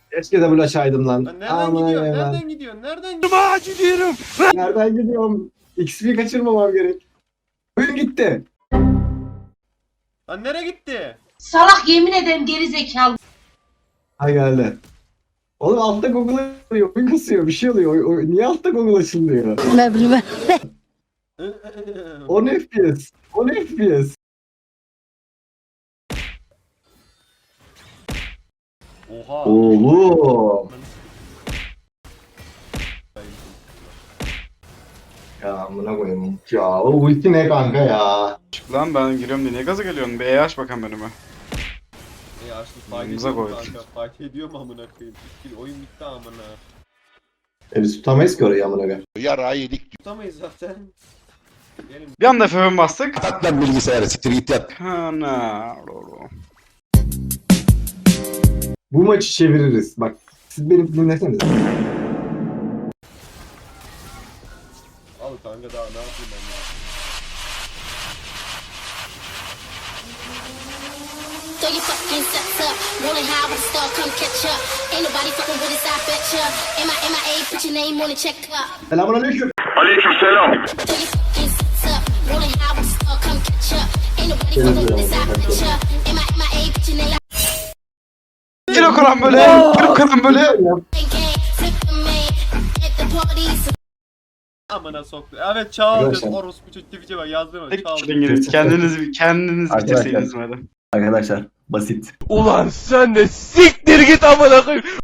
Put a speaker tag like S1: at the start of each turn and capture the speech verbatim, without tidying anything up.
S1: Keşke de bulaşaydım lan.
S2: Lan nereden
S1: Aman
S2: gidiyorsun?
S1: ya.
S2: Nereden gidiyorsun? Nereden gidiyorsun?
S3: gidiyorum.
S1: Nereden gidiyorum? X P kaçırmamam gerek. Oyun gitti.
S2: Lan nereye gitti?
S4: Salak yemin ederim geri zekalı.
S1: Ha geldi. Oğlum altta Google açılıyor. Oyun kasıyor. Bir şey oluyor. O, o- niye altta Google açılmıyor?
S5: Ne bileyim.
S1: on F P S. on F P S.
S2: Oha.
S1: Oğlum. Ya amına koyayım. Ya o ulti ne kanka ya?
S3: Çık lan ben giriyorum diye niye gaza geliyorsun? Bir E aç bakalım önüme.
S2: E açtı fight
S3: Yanımıza
S2: ediyor mu
S3: koy.
S2: kanka? Fight ediyor mu amına koyayım? Bitti, oyun bitti amına.
S1: E biz tutamayız ki orayı amına koyayım.
S6: Yara yedik.
S2: Tutamayız zaten. Gelin.
S3: Bir anda F F bastık.
S6: At lan bilgisayarı siktir git yat.
S3: Ana.
S1: Bu maçı çeviririz. Bak siz beni dinlesenize.
S2: Al kanka daha ne yapayım ben ya?
S7: Throw your fucking sets up, rolling high with a star, come catch up. Ain't nobody fucking with us, I bet ya. M I M I A, put your name on the check up.
S1: Selamünaleyküm.
S7: Throw your fucking sets up, rolling high with a star, come catch up. Ain't nobody fucking with us, I bet ya. M I M I A, put your name on
S3: Kilo kalan böyle. Kilo kalan böyle.
S7: the gang. Flip the main, at the parties.
S2: Amına soktu. Evet çaldım.
S1: Arkadaşlar.
S2: Orospu çocuğu Twitch'e bak yazdım mı?
S3: Tek
S2: Çaldım.
S3: İngiliz. Kendiniz kendiniz
S1: Arkadaşlar.
S3: bitirseydiniz madem.
S1: Arkadaşlar basit.
S8: Ulan sen de siktir git amına koyayım.